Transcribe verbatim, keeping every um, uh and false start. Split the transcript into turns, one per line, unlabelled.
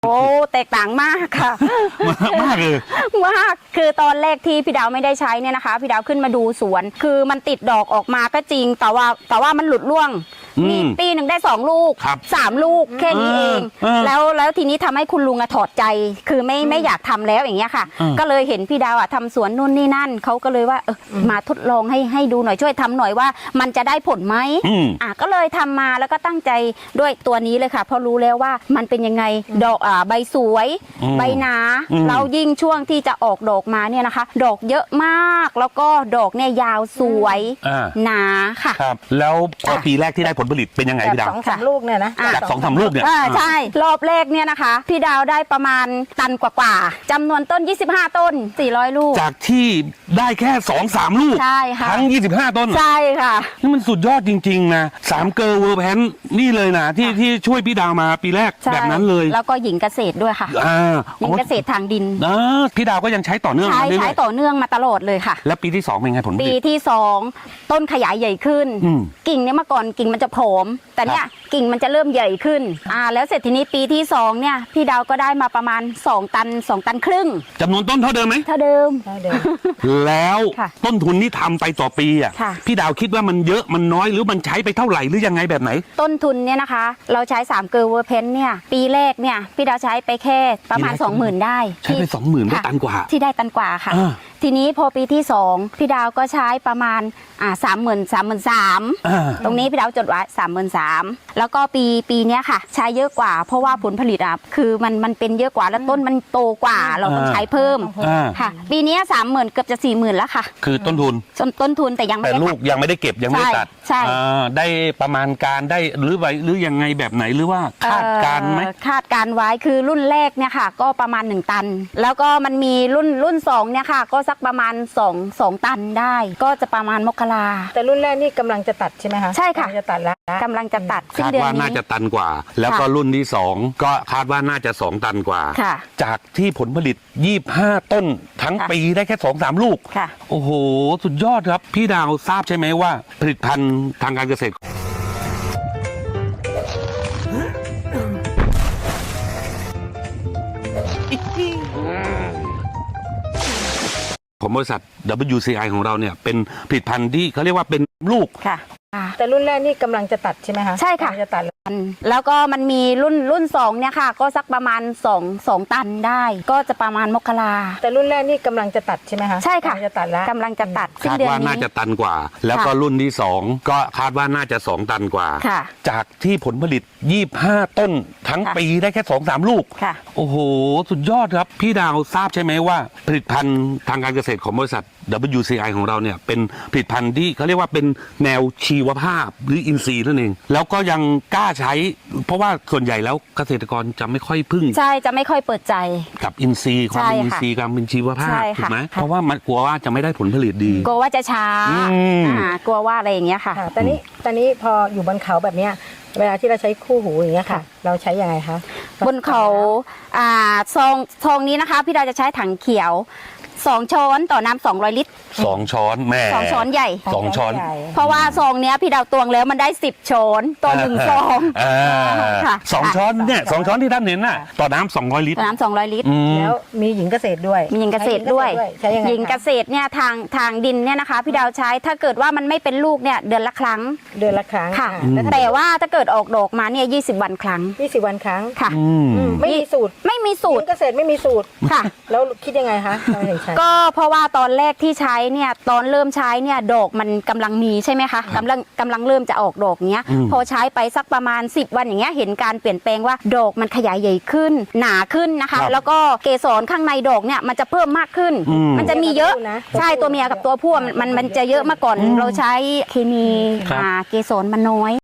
โอ้แตกต่างมากค่ะ
มากเลย
มากคือตอนแรกที่พี่ดาวไม่ได้ใช้เนี่ยนะคะพี่ดาวขึ้นมาดูสวน คือมันติดดอกออกมาก็จริงแต่ว่าแต่ว่ามันหลุดร่วงมีปีหนึ่งได้สองลูกสามลูกแค่นี้เองแล้วแล้วทีนี้ทำให้คุณลุงอะถอดใจคือไม่ไม่อยากทำแล้วอย่างเงี้ยค่ะก็เลยเห็นพี่ดาวอะทำสวนนู่นนี่นั่นเขาก็เลยว่าเออมาทดลองให้ให้ดูหน่อยช่วยทำหน่อยว่ามันจะได้ผลไหมอ่ะก็เลยทำมาแล้วก็ตั้งใจด้วยตัวนี้เลยค่ะเพราะรู้แล้วว่ามันเป็นยังไงดอกอ่าใบสวยใบหนาแล้วยิ่งช่วงที่จะออกดอกมาเนี่ยนะคะดอกเยอะมากแล้วก็ดอกเนี่ยยาวสวยหนาค่ะ
ครับแล้วพอปีแรกที่ได้ผลผลิตเป็นยังไงพี่ดาว
สองสามลูกเนี่ยนะ
จากสองสามลูกเนี่ย
ใช่รอบแรกเนี่ยนะคะพี่ดาวได้ประมาณตันกว่าๆจำนวนต้นยี่สิบห้าต้นสี่ร้อยลูก
จากที่ได้แค่สองสามลูก
ใช่ค่ะ
ทั้งยี่สิบห้าต้น
ใช่ค่ะ
นี่มันสุดยอดจริงๆนะสามเกอร์เวอร์แพนนี่เลยนะที่ที่ช่วยพี่ดาวมาปีแรกแบบนั้นเลย
แล้วก็หญิงเกษตรด้วยค่ะหญิงเกษตรทางดิน
พี่ดาวก็ยังใช้ต่อเนื่อง
ใช้ใช้ต่อเนื่องมาตลอดเลยค่ะ
แล้วปีที่สองเป็นไงผลผลิต
ปีที่สองต้นขยายใหญ่ขึ้นกิ่งเนี่ยเมื่อก่อนกิ่งมันจะผอมแต่เนี่ยกิ่งมันจะเริ่มใหญ่ขึ้นอ่าแล้วเสร็จทีนี้ปีที่สองเนี่ยพี่ดาวก็ได้มาประมาณสองตันสองตันครึ่ง
จำนวนต้นเท่าเดิมไหม
เท่าเดิม
แล้วต้นทุนที่ทำไปต่อปีอ่ะพี่ดาวคิดว่ามันเยอะมันน้อยหรือมันใช้ไปเท่าไหร่หรือยังไงแบบไหน
ต้นทุนเนี่ยนะคะเราใช้สามเกอร์เวอร์เพนเนี่ยปีแรกเนี่ยพี่ดาวใช้ไปแค่ประมาณ สองหมื่น ได้
ใช้ไปสองหมื่นได้ตันกว่า
ที่ได้ตันกว่าค่ะทีนี้พอปีที่สองพี่ดาวก็ใช้ประมาณอ่าสามหมื่นสามหมื่นสามตรงนี้พี่ดาวจดไว้สามหมื่นสามแล้วก็ปีปีนี้ค่ะใช้เยอะกว่าเพราะว่าผลผลิตอ่ะคือมันมันเป็นเยอะกว่าแล้วต้นมันโตกว่าเราต้องใช้เพิ่มค่ะปีนี้สามหมื่นเกือบจะสี่หมื่นแล้วค่ะ
คือต้นทุน
ต้นทุนแต่ยังไม่
แต่ลูกยังไม่ได้เก็บยังไม่ได้ตัด
ใช่
ได้ประมาณการได้หรือไว้หรือยังไงแบบไหนหรือว่าคาดการไหม
คาดการไว้คือรุ่นแรกเนี่ยค่ะก็ประมาณหนึ่งตันแล้วก็มันมีรุ่นรุ่นสองเนี่ยค่ะก็สักประมาณสองสองตันได้ก็จะประมาณมกรา
แต่รุ่นแรกนี่กำลังจะตัดใช่ไหมคะ
ใช่ค่ะ
จะตัดแล้ว
กำลังจะตัด
คาดว่าน่าจะตันกว่าแล้วก็รุ่นที่สองก็คาดว่าน่าจะสองตันกว่าจากที่ผลผลิตยี่สิบห้าต้นทั้งปีได้แค่สองสามลูกโอ้โหสุดยอดครับพี่ดาวทราบใช่ไหมว่าผลิตภัณฑ์ทางการเกษตรของบริษัท ดับเบิลยู ซี ไอ ของเราเนี่ยเป็นผลิตภัณฑ์ที่เขาเรียกว่าเป็นลูก
ค่ะ
แต่รุ่นแรกนี่กำลังจะตัดใช่ไหมคะ
ใช่ค่ะ
จะตัด
แล้วก็มันมีรุ่นรุ่นสองเนี่ยค่ะก็สักประมาณสองสองตันได้ก็จะประมาณมกรา
แต่รุ่นแรกนี่กำลังจะตัดใช่ไหมคะ
ใช่ค่ะ
จะตัดแล้ว
กำลังจะตัด
คาดว่าน่าจะตันกว่าแล้วก็รุ่นที่สองก็คาดว่าน่าจะสองตันกว่าจากที่ผลผลิตยี่สิบห้าต้นทั้งปีได้แค่สองสามลูกโอ้โหสุดยอดครับพี่ดาวทราบใช่ไหมว่าผลิตภัณฑ์ทางการเกษตรของบริษัท ดับเบิลยู ซี ไอ ของเราเนี่ยเป็นผลิตภัณฑ์ที่เขาเรียกว่าเป็นแนวชีวภาพหรืออินทรีย์นั่นเองแล้วก็ยังกล้าใช้เพราะว่าส่วนใหญ่แล้วเกษตรกรจะไม่ค่อยพึ่ง
ใช่จะไม่ค่อยเปิดใจ
กับอินทรีย์ความเป็นอินทรีย์การเป็นชีวภาพถูกไหมเพราะว่ามันกลัวว่าจะไม่ได้ผลผลิตดี
กลัวว่าจะช้ากลัวว่าอะไรอย่างเงี้ยค่ะ
ตอนนี้ตอนนี้พออยู่บนเขาแบบเนี้ยเวลาที่เราใช้คู่หูอย่างเงี้ยค่ะเราใช้ยังไงคะ
บนเขาอ่าซองซองนี้นะคะพี่ดาวจะใช้ถังเขียวสองช้อนต่อน้ำสองร้อยลิตร
สองช้อนแม่
สองช้อนใหญ่
สองช้อน
เพราะว่าซองเนี้ยพี่ดาวตวงแล้วมันได้สิบช้อนต่อหนึ่งซอง
สองช้อนเนี่ยสองช้อนที่ท่านเห็นน่ะต่อน้ำสองร้อยลิตร
ต่อน้ำสองร้อยลิตร
แล้วมีหญิงเกษตรด้วย
มีหญิงเกษตรด้วยหญิงเกษตรเนี่ยทางทางดินเนี่ยนะคะพี่ดาวใช้ถ้าเกิดว่ามันไม่เป็นลูกเนี่ยเดือนละครั้ง
เดือนละครั้ง
ค่ะแต่ว่าถ้าเกิดออกดอกมาเนี่ยยี่สิบวันครั้ง
ยี่สิบวันครั้ง
ค่ะ
ไม่มีสูตร
ไม่มีสูตร
เกษตรไม่มีสูตร
ค่ะ
แล้วคิดยังไงคะ
ก็เพราะว่าตอนแรกที่ใช้เนี่ยตอนเริ่มใช้เนี่ยดอกมันกำลังมีใช่ไหมคะกำลังกำลังเริ่มจะออกดอกเนี้ยพอใช้ไปสักประมาณสิบวันอย่างเงี้ยเห็นการเปลี่ยนแปลงว่าดอกมันขยายใหญ่ขึ้นหนาขึ้นนะคะแล้วก็เกสรข้างในดอกเนี่ยมันจะเพิ่มมากขึ้นมันจะมีเยอะใช่ตัวเมียกับตัวผู้มันมันจะเยอะมาก่อนเราใช้เคมีเกสรมันน้อย